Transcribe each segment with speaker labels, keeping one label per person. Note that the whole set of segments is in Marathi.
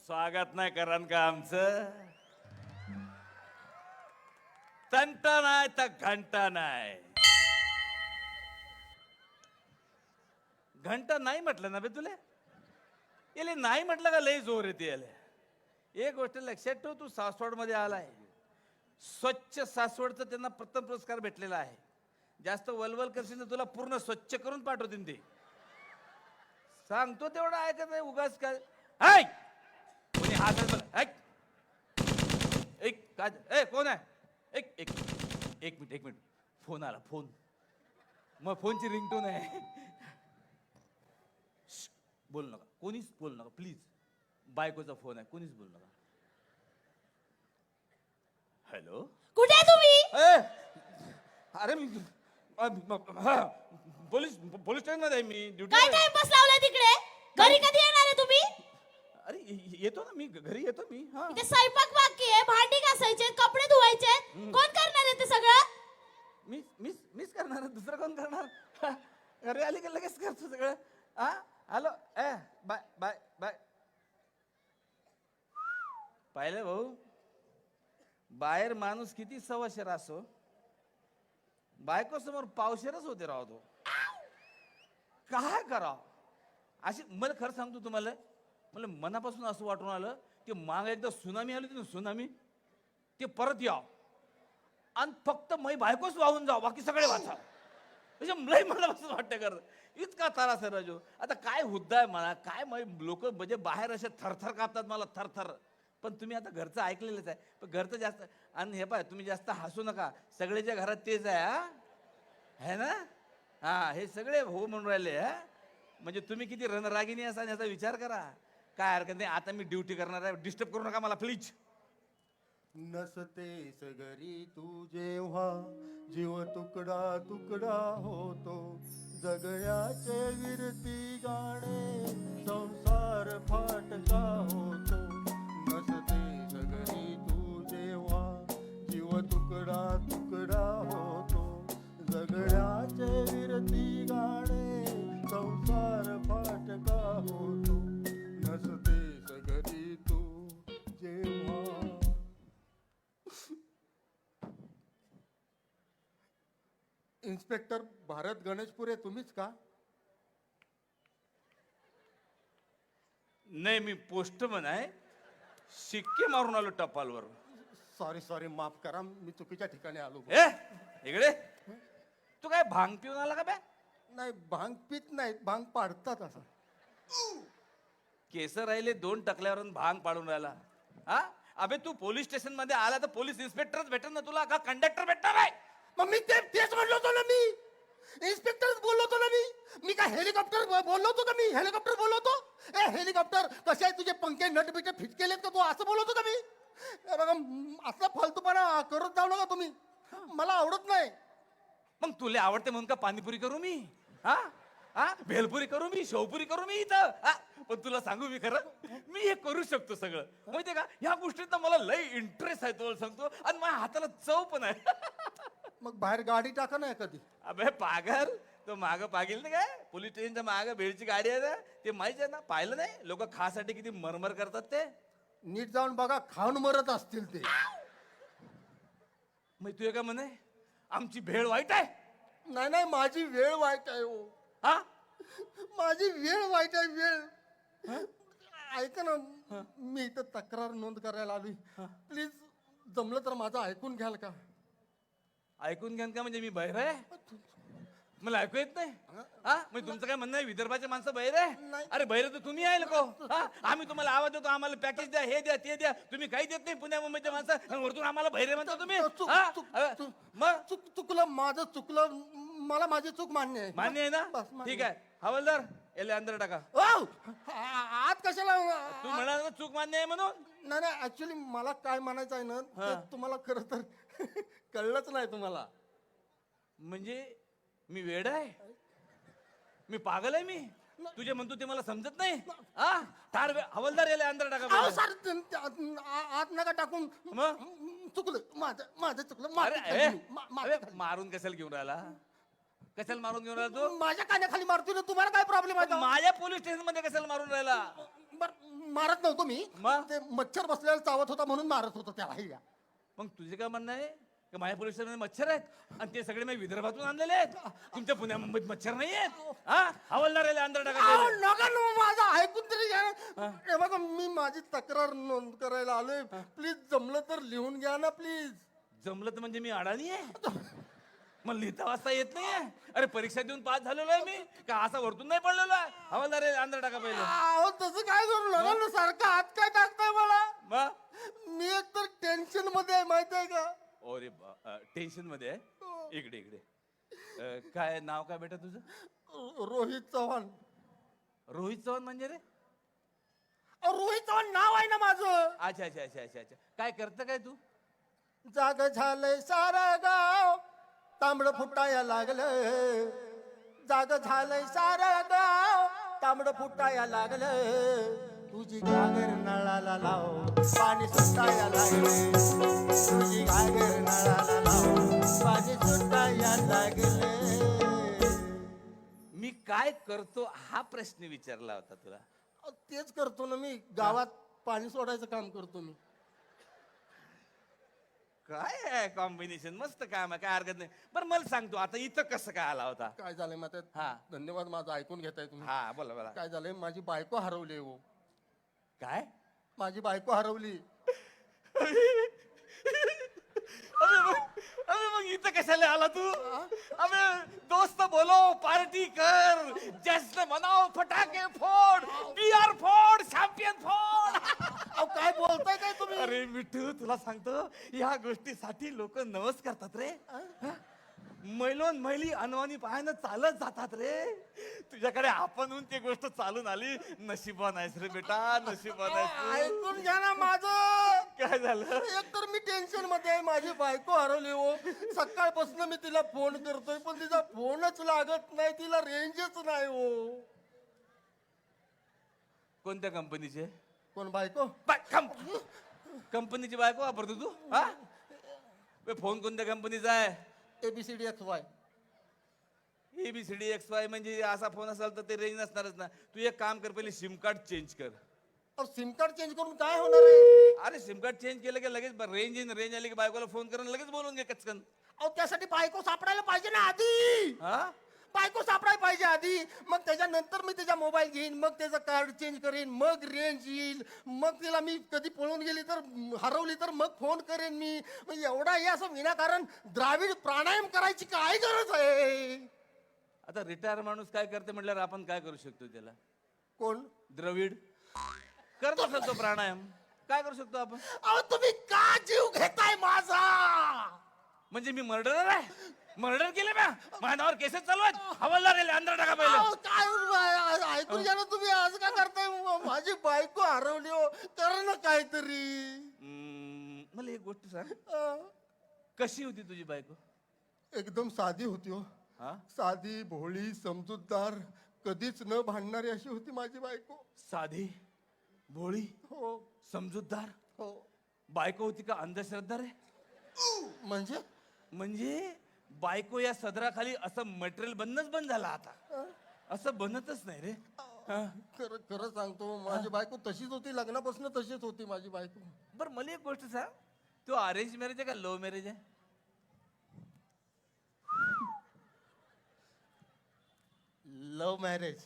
Speaker 1: स्वागत नाही करान का आमचं? तंटा नाही तर घंटा नाही. घंटा नाही म्हटलं ना बे तुले? याले नाही म्हटलं का लय जोर येते याले. एक गोष्ट लक्षात ठेव, तू सासवड मध्ये आलाय. स्वच्छ सासवडचं त्यांना प्रथम पुरस्कार भेटलेला आहे. जास्त वलवल करशील तर तुला पूर्ण स्वच्छ करून पाठवतील ते. सांगतो तेवढं ऐकत नाही उगाच काय. ऐक कोणी हात ऐक एक काय ए कोण आहे? एक एक एक मिनिट फोन आला. फोन मग फोनची रिंगटोन आहे. बोल नका, कोणीच बोल नका प्लीज. बायकोचा फोन आहे, कोणीच बोल नका. हॅलो,
Speaker 2: कुठे आहे तुम्ही?
Speaker 1: अरे पोलीस स्टेशन मध्ये आहे मी. ड्युटी.
Speaker 2: काय टाइमपास लावलाय तिकडे? घरी कधी येणार आहे तुम्ही?
Speaker 1: अरे येतो ना मी, घरी येतो मी. हा
Speaker 2: इथे स्वयंपाक बाकी आहे, भांडी घासायचे, कपडे धुवायचे. कोण करणार आहे ते सगळं?
Speaker 1: मीच करणार, दुसरं कोण करणार? घरी आली की लगेच करतो सगळं. हा हॅलो ए बाय बाय बाय. पाहिलं भाऊ, बाहेर माणूस किती सवाशेर असो, बायको समोर पावशेरच होते राव तो. काय कराव अशी. मला खरं सांगतो तुम्हाला, मला मनापासून असं वाटून आलं की माग एकदा सुनामी आली होती ना, सुनामी, ते परत याव आणि फक्त मै बायकोच वाहून जाव, बाकी सगळे वाचा. म्हणजे लय मनापासून वाटतं कर. इतका त्रास आहे राजू. आता काय हुद्दा आहे मला काय, लोक म्हणजे बाहेर असे थरथर कापतात मला, थरथर. पण तुम्ही आता घरचं ऐकलेलंच आहे. पण घरचं जास्त. आणि हे पाय, तुम्ही जास्त हसू नका. सगळेच्या घरात तेच आहे. हा है ना? हा हे सगळे हो म्हणून राहिले. हा म्हणजे तुम्ही किती रणरागिणी असा याचा विचार करा. काय हरकत नाही, आता मी ड्युटी करणार आहे. डिस्टर्ब करू नका मला प्लीज.
Speaker 3: नसतेस घरी तू जेव्हा जीव तुकडा तुकडा होतो. जगण्याचे विरती गाणे संसार फाटका होतो. नसतेस घरी तू जेव्हा जीव तुकडा तुकडा होतो. जगण्याचे विरती गाणे संसार फाटका होतो. नसतेस घरी तू जेव्हा. इन्स्पेक्टर भारत गणेशपुरे तुम्हीच का?
Speaker 1: नाही, मी पोस्टमन आहे. शिक्के मारून आलो टपालवर.
Speaker 3: सॉरी माफ करा, मी चुकीच्या ठिकाणी आलो.
Speaker 1: ए इकडे, तू काय भांग पिऊन आला का बे?
Speaker 3: नाही, भांग पित नाहीत, भांग पाडतात असं.
Speaker 1: केस राहिले 2 टकल्यावरून भांग पाडून राहिला. हा अबे तू पोलीस स्टेशन मध्ये आला तर पोलीस इन्स्पेक्टरच भेटेल ना तुला, का कंडक्टर भेटणार आहे?
Speaker 3: मग मी तेच म्हणलो होतो ना, मी इन्स्पेक्टरच बोललो होतो ना. मी काय हेलिकॉप्टर बोललो होतो का? मी हेलिकॉप्टर बोललो होतो. ए हेलिकॉप्टर कसे आहे तुझे पंखे नट बिटे फिट केलेत का तू? असं बोललो होतो का मी? बघा असला फालतूपणा करत जाऊ नका तुम्ही, मला आवडत नाही.
Speaker 1: मग तुला आवडते म्हणून का पाणीपुरी करू मी? हा हा भेलपुरी करू मी, शेवपुरी करू मी इथं? पण तुला सांगू मी खरं, मी हे करू शकतो सगळं. माहितीये का, ह्या गोष्टीत मला लय इंटरेस्ट आहे तुला सांगतो. आणि माझ्या हाताला चव पण आहे.
Speaker 3: मग बाहेर गाडी टाका ना कधी.
Speaker 1: अबे पागल, तो मागं पागेल ना काय, पोलीस स्टेशनच्या मागं भेळची गाडी आहे ना, ते माहिती आहे ना, पाहिलं नाही लोक खासाठी किती मरमर करतात ते.
Speaker 3: नीट जाऊन बघा, खाऊन मरत असतील ते.
Speaker 1: मग तू का म्हणे आमची भेळ वाईट आहे?
Speaker 3: नाही माझी वेळ वाईट आहे हो.
Speaker 1: हा
Speaker 3: माझी वेळ वाईट आहे, वेळ. ऐका ना, मी इथं तक्रार नोंद करायला आली. प्लीज जमलं तर माझं ऐकून घ्याल का?
Speaker 1: ऐकून घ्यान का? म्हणजे मी बहिर आहे? मला ऐकू येत नाही? हा म्हणजे तुमचं काय म्हणणं आहे विदर्भाचे माणसं बहिर आहे?
Speaker 3: नाही.
Speaker 1: अरे बहिर तर तुम्ही आहे लोक. आम्ही तुम्हाला आवाज देतो, आम्हाला पॅकेज द्या, हे द्या, ते द्या. तुम्ही काही देत नाही पुण्या मुंबईच्या माणसं, आणि वरतून आम्हाला बहिरे म्हणता तुम्ही. मग
Speaker 3: चुकलं माझं, चुकलं. मला माझी चूक मान्य आहे.
Speaker 1: मान्य आहे ना?
Speaker 3: बस, मान्य.
Speaker 1: ठीक आहे, हवालदार याला अंदर टाका.
Speaker 3: आत कशाला?
Speaker 1: तू म्हणाल ना चूक मान्य आहे म्हणून.
Speaker 3: नाही ऍक्च्युली मला काय म्हणायचं आहे ना, ते तुम्हाला खरं तर कळलंच नाही तुम्हाला.
Speaker 1: म्हणजे मी वेड आहे? मी पागल आहे? मी तुझे म्हणतो ते मला समजत नाही? हवालदार याला अंदर टाका.
Speaker 3: सर आत नका टाकून.
Speaker 1: मग
Speaker 3: चुकलं माझं चुकलं.
Speaker 1: अरे मारून कशाला घेऊन राहिला? कशाला मारून घेऊन राहिला तू?
Speaker 3: माझ्या कानाखाली मारतोय ना, तुम्हाला काय प्रॉब्लेम आहे?
Speaker 1: माझ्या पोलीस स्टेशन मध्ये कशाला मारून राहिला?
Speaker 3: मारत नव्हतो मी
Speaker 1: मग?
Speaker 3: ते मच्छर बसलेला चावत होता म्हणून मारत होतो त्याला हे.
Speaker 1: मग तुझे काय म्हणणं आहे की माझ्या पोलीस स्टेशनमध्ये मच्छर आहेत आणि ते सगळे मी विदर्भातून आणलेले आहेत? तुमच्या पुण्या मुंबईत मच्छर नाही आहेत? हा हवालदार आहे अंदर टाका
Speaker 3: अहो,
Speaker 1: पहिले.
Speaker 3: नका ना माझं ऐकून तरी घ्या ना. हे बघा मी माझी तक्रार नोंद करायला आलोय. प्लीज जमलं तर लिहून घ्या ना प्लीज.
Speaker 1: जमलं तर म्हणजे मी अडाणी आहे? मग लिहिता वाचता येत नाहीये? अरे परीक्षा देऊन पास झालेलो आहे मी का असा वरतून नाही पडलेलो आहे? हवालदार आहे अंदर टाका पहिले.
Speaker 3: अहो तसं काय करू नका ना, सारखं हात काय टाकताय मला.
Speaker 1: मग
Speaker 3: मी एक तर टेन्शन मध्ये आहे माहिती आहे का.
Speaker 1: अरे टेन्शन मध्ये आहे? इकडे इकडे काय नाव काय बेटा तुझं?
Speaker 3: रोहित चव्हाण.
Speaker 1: रोहित चव्हाण म्हणजे रे?
Speaker 3: रोहित चव्हाण नाव आहे ना माझं.
Speaker 1: अच्छा अच्छा अच्छा अच्छा अच्छा. काय करतं काय तू?
Speaker 3: जाग झालंय सारं गाव तांबड फुटाया लागलं. जाग झालंय सारं गाव तांबड फुटाया लागलं. तुझी घागर नळाला लाव पाणी सुटाया लागलं. तुझी घागर नळाला लाव पाणी सुटाया लागलं.
Speaker 1: मी काय करतो हा प्रश्न विचारला होता तुला.
Speaker 3: तेच करतो ना मी, गावात पाणी सोडायचं काम करतो मी.
Speaker 1: काय आहे कॉम्बिनेशन, मस्त काम आहे, काय हरकत नाही. बरं मला सांगतो आता इथं कसं काय आला होता?
Speaker 3: काय झालंय माहिती
Speaker 1: हा.
Speaker 3: आहे? धन्यवाद माझं ऐकून घेताय तुम्ही.
Speaker 1: हा बोला बोला.
Speaker 3: काय झालंय माझी बायको हरवली हो.
Speaker 1: काय?
Speaker 3: माझी बायको हरवली.
Speaker 1: अबे मग इथं कशाला आला तू? अबे दोस्त बोलो, पार्टी कर, जश्न मनाव, फटाके फोड, बियर फोड, चॅम्पियन फोड.
Speaker 3: अहो काय बोलताय काय तुम्ही.
Speaker 1: अरे मिठू तुला सांगतो या गोष्टीसाठी लोक नवस करतात रे. मैलोन मैली अनवाणी पायानं चालत जातात रे. तुझ्याकडे आपणहून ती गोष्ट चालून आली. नशिबान आहेस रे बेटा, नशिबान आहेस.
Speaker 3: ऐकून घ्या ना माझं.
Speaker 1: काय झालं?
Speaker 3: एक तर मी टेन्शन मध्ये आहे, माझी बायको हरवली हो. सकाळपासून मी तिला फोन करतोय पण तिचा फोनच लागत नाही, तिला रेंजच नाही हो.
Speaker 1: कोणत्या कंपनीचे?
Speaker 3: कोण बायको.
Speaker 1: कंपनीची बायको वापरतो तू? हा बे, फोन कोणत्या कंपनीचा आहे?
Speaker 3: ABCDXY.
Speaker 1: ABCDXY म्हणजे असा फोन असेल तर ते रेंज नसणारच ना. तू एक काम कर, पहिले सिम कार्ड चेंज कर.
Speaker 3: सिम कार्ड चेंज करून काय होणार आहे.
Speaker 1: अरे सिम कार्ड चेंज केलं की लगेच रेंज येईन. रेंज आली की बायकोला फोन करून लगेच बोलून घे कचकन.
Speaker 3: अहो त्यासाठी बायको सापडायला पाहिजे ना आधी.
Speaker 1: हा
Speaker 3: बायको सापडायला पाहिजे आधी, मग त्याच्यानंतर मी त्याचा मोबाईल घेईन, मग त्याचं कार्ड चेंज करेन, मग रेंज येईल, मग तिला मी कधी पळून गेली तर हरवली तर मग फोन करेन मी. मग एवढा हे असं विनाकारण द्राविड प्राणायाम करायची काय गरज आहे.
Speaker 1: आता रिटायर माणूस काय करते म्हटल्यावर आपण काय करू शकतो त्याला?
Speaker 3: कोण.
Speaker 1: द्रविड करत असेल तो प्राणायाम, काय करू शकतो आपण?
Speaker 3: अहो तुम्ही का जीव घेताय माझा.
Speaker 1: म्हणजे मी मर्डरर आहे? मर्डर केले माझ्या नावावर केसेस चालू आहेत. हवालदार आहे अंदर टाका पहिले.
Speaker 3: अहो, काय ऐकून घ्या ना तुम्ही, आज काय करताय. माझी बायको हरवली हो, कर ना काहीतरी.
Speaker 1: मला एक गोष्ट सांग,
Speaker 3: अं,
Speaker 1: कशी होती तुझी बायको?
Speaker 3: एकदम साधी होती हो.
Speaker 1: हा
Speaker 3: साधी भोळी समजूतदार, कधीच न भांडणारी अशी होती माझी बायको.
Speaker 1: साधी भोळी
Speaker 3: हो
Speaker 1: समजूतदार
Speaker 3: हो.
Speaker 1: बायको होती का अंधश्रद्धा रे? म्हणजे बायको या सदराखाली असं मटेरियल बनणंच बंद झाला आता. असं बनतच नाही रे.
Speaker 3: खरं खरं सांगतो, माझी बायको तशीच होती, लग्नापासून तशीच होती माझी बायको.
Speaker 1: बर मला एक गोष्ट सांग, तू अरेंज मॅरेज आहे का लव्ह मॅरेज आहे?
Speaker 3: Love marriage.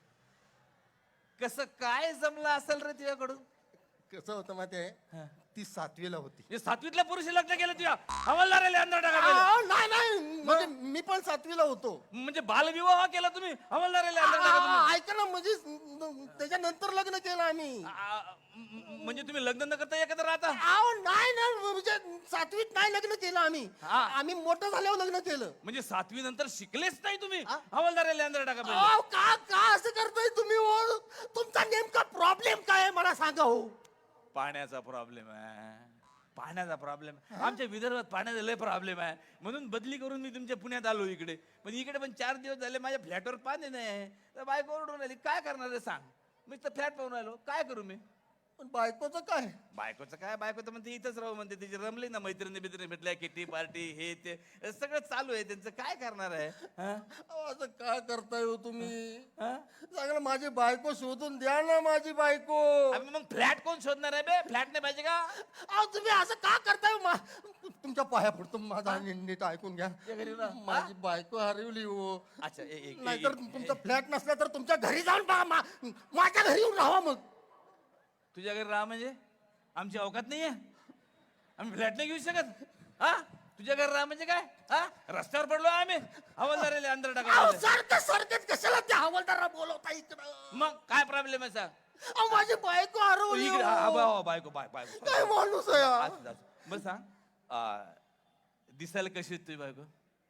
Speaker 1: कसं काय जमलं असेल रे तुझ्याकडून?
Speaker 3: कसं होतं माहिती आहे, ती 7वीला होती.
Speaker 1: हे 7वीतल्या पुरुष लग्न केलं तुझ्या? हवालदार आहे अंदर टाका पहिले.
Speaker 3: नाही म्हणजे मी पण 7वीला होतो.
Speaker 1: म्हणजे बालविवाह केला तुम्ही? हवालदार आहे अंदर टाका तुम्ही.
Speaker 3: ऐका ना, म्हणजे त्याच्यानंतर लग्न केलं आम्ही.
Speaker 1: म्हणजे तुम्ही लग्न न करता एकत्र राहता?
Speaker 3: नाही ना, म्हणजे 7वीत नाही लग्न केलं आम्ही. आम्ही मोठं झाल्यावर लग्न केलं.
Speaker 1: म्हणजे 7वी नंतर शिकलेच नाही तुम्ही? हवालदार आहे अंदर टाका पहिले.
Speaker 3: अहो, का असं करताय तुम्ही हो? तुमचा नेमका प्रॉब्लेम काय आहे मला सांगा हो.
Speaker 1: पाण्याचा प्रॉब्लेम आहे, पाण्याचा प्रॉब्लेम. आमच्या विदर्भात पाण्याचा लय प्रॉब्लेम आहे, म्हणून बदली करून मी तुमच्या पुण्यात आलो इकडे. पण इकडे पण 4 दिवस झाले माझ्या फ्लॅटवर पाणी नाही. तर बायको ओरडून आली, काय करणार आहे सांग. मी तर फ्लॅट पाहून आलो, काय करू मी?
Speaker 3: पण बायकोचं काय?
Speaker 1: बायकोचं काय, बायको तर म्हणते इथंच राहू म्हणते, तिची रमली ना मैत्रिणी बित्रिणी भेटल्या, किटी पार्टी हे ते सगळं चालू आहे त्यांचं, काय करणार आहे हा?
Speaker 3: अहो, असं काय करताय हो तुम्ही?
Speaker 1: हा?
Speaker 3: चांगलं माझी बायको शोधून द्या ना, माझी बायको.
Speaker 1: अबे मग फ्लॅट कोण शोधणार आहे बे? फ्लॅट नाही पाहिजे का?
Speaker 3: अहो तुम्ही असं का करताय हो? तुमच्या पाया पडतो, माझा नीट ऐकून घ्या.
Speaker 1: या घरी ना.
Speaker 3: माझी बायको हरवली हो.
Speaker 1: अच्छा
Speaker 3: नाहीतर तुमचा फ्लॅट नसला तर तुमच्या घरी जाऊन पहा, माझ्या घरी येऊन राहा मग.
Speaker 1: तुझ्या घरी राहा म्हणजे आमची अवकात नाहीये, आम्ही फ्लॅट नाही घेऊ शकत हा? तुझ्या घरी राहा म्हणजे काय हा? रस्त्यावर पडलो आम्ही, हवालदाराला अंदर
Speaker 3: अहो,
Speaker 1: टाका.
Speaker 3: सारखं कशाला त्या हवालदाराला बोलवता इकडं?
Speaker 1: मग काय प्रॉब्लेम आहे सांग?
Speaker 3: अहो, माझी बायको हरवली
Speaker 1: इकडे
Speaker 3: हो.
Speaker 1: बायको
Speaker 3: काय माणूस आहे हा?
Speaker 1: बस सांग, दिसायला कशी आहे तुझी बायको?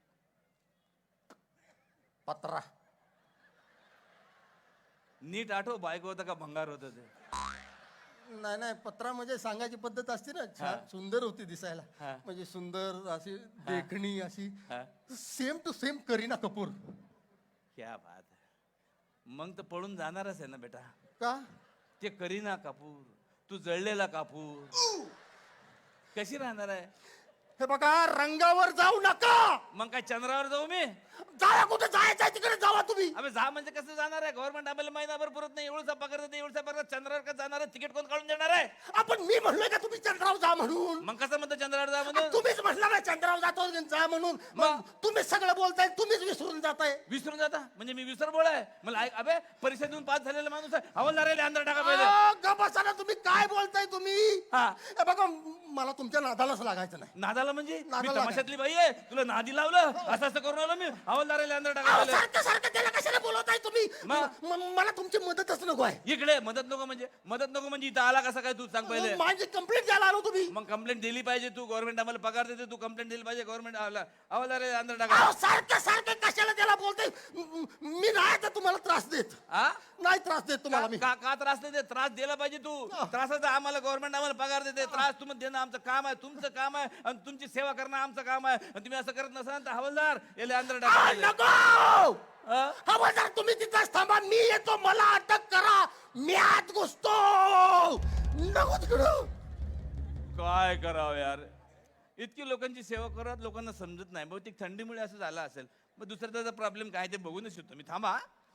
Speaker 3: पत्रा.
Speaker 1: नीट आठव, बायको होता का भंगार होत ते?
Speaker 3: नाही पत्रा म्हणजे सांगायची पद्धत असते ना, छान सुंदर होती दिसायला.
Speaker 1: हा.
Speaker 3: म्हणजे सुंदर अशी देखणी अशी
Speaker 1: हा?
Speaker 3: Same to same Kareena Kapoor.
Speaker 1: क्या बात आहे. मग तर पळून जाणारच आहे ना बेटा.
Speaker 3: का?
Speaker 1: ते करीना कापूर, तू जळलेला कापूर, कशी राहणार आहे?
Speaker 3: हे बघा, रंगावर जाऊ नका.
Speaker 1: मग काय चंद्रावर जाऊ मी?
Speaker 3: जावा, कुठे जायचं आहे तिकडे जावा तुम्ही.
Speaker 1: अबे जा म्हणजे कसं जाणार आहे? गव्हर्नमेंट आम्हाला महिनाभर पुरत नाही, एवढसा पगार देते, एवढसा पगार, चंद्रावर का जाणार आहे? तिकीट कोण काढून देणार आहे?
Speaker 3: आपण मी म्हणलोय का तुम्ही चंद्रावर जा म्हणून?
Speaker 1: मग कसं म्हणतो चंद्रावर जा म्हणून?
Speaker 3: तुम्हीच म्हटलं ना चंद्रावर जातो जा म्हणून. मग तुम्हीच सगळं बोलताय, तुम्हीच विसरून जाताय.
Speaker 1: विसरून जाता म्हणजे मी विसर बोळ आहे? मला ऐक, अबे परीक्षा देऊन पास झालेला माणूस आहे, हवालदाराला अंदर टाका पहिले.
Speaker 3: गप्प बसा ना, तुम्ही काय बोलताय तुम्ही?
Speaker 1: हा.
Speaker 3: हे बघा, मला तुमच्या नादालाच लागायचं नाही.
Speaker 1: नादाला म्हणजे मी
Speaker 3: नादाला
Speaker 1: तमाशातली बाई आहे, तुला नादी लावलं असं असं करून आलो मी, हवालदाराला अंदर टाका
Speaker 3: अहो,
Speaker 1: पहिले.
Speaker 3: सारखं त्याला कशाला बोलवताय तुम्ही?
Speaker 1: मग?
Speaker 3: मला तुमची मदतच नको आहे.
Speaker 1: इकडे मदत नको म्हणजे इथं आला कसा काय तू सांग पहिले?
Speaker 3: माझी कंप्लेंट द्यायला आलो तुम्ही.
Speaker 1: मग कंप्लेंट दिली पाहिजे, तू गव्हर्नमेंट आम्हाला पगार देते, तू कंप्लेंट दिली पाहिजे, गव्हर्नमेंट हवालदाराला अंदर टाका.
Speaker 3: अहो, सारखं कशाला त्याला बोलताय? मी नाही तर तुम्हाला त्रास देत.
Speaker 1: हा?
Speaker 3: नाही त्रास देत तुम्हाला मी.
Speaker 1: का त्रास देते? त्रास दिला पाहिजे तू. त्रासाचा आम्हाला गव्हर्नमेंट आम्हाला पगार देते, त्रास तुम्ही देणं आमचं काम आहे, तुमचं काम आहे, आणि तुमची सेवा करणं आमचं काम आहे. आणि तुम्ही असं करत नसाल तर हवालदार याला अंदर टाका
Speaker 3: अहो,
Speaker 1: पहिले.
Speaker 3: नको.
Speaker 1: हा?
Speaker 3: हवालदार तुम्ही तिथंच थांबा, मी येतो, मला अटक करा, मी आत घुसतो. नको तिकडं.
Speaker 1: काय करावं यार, इतकी लोकांची सेवा करत लोकांना समजत नाही. बहुतेक थंडीमुळे असं झालं असेल. मग दुसरा त्याचा प्रॉब्लेम काय ते बघूनच येतो मी. थांबा.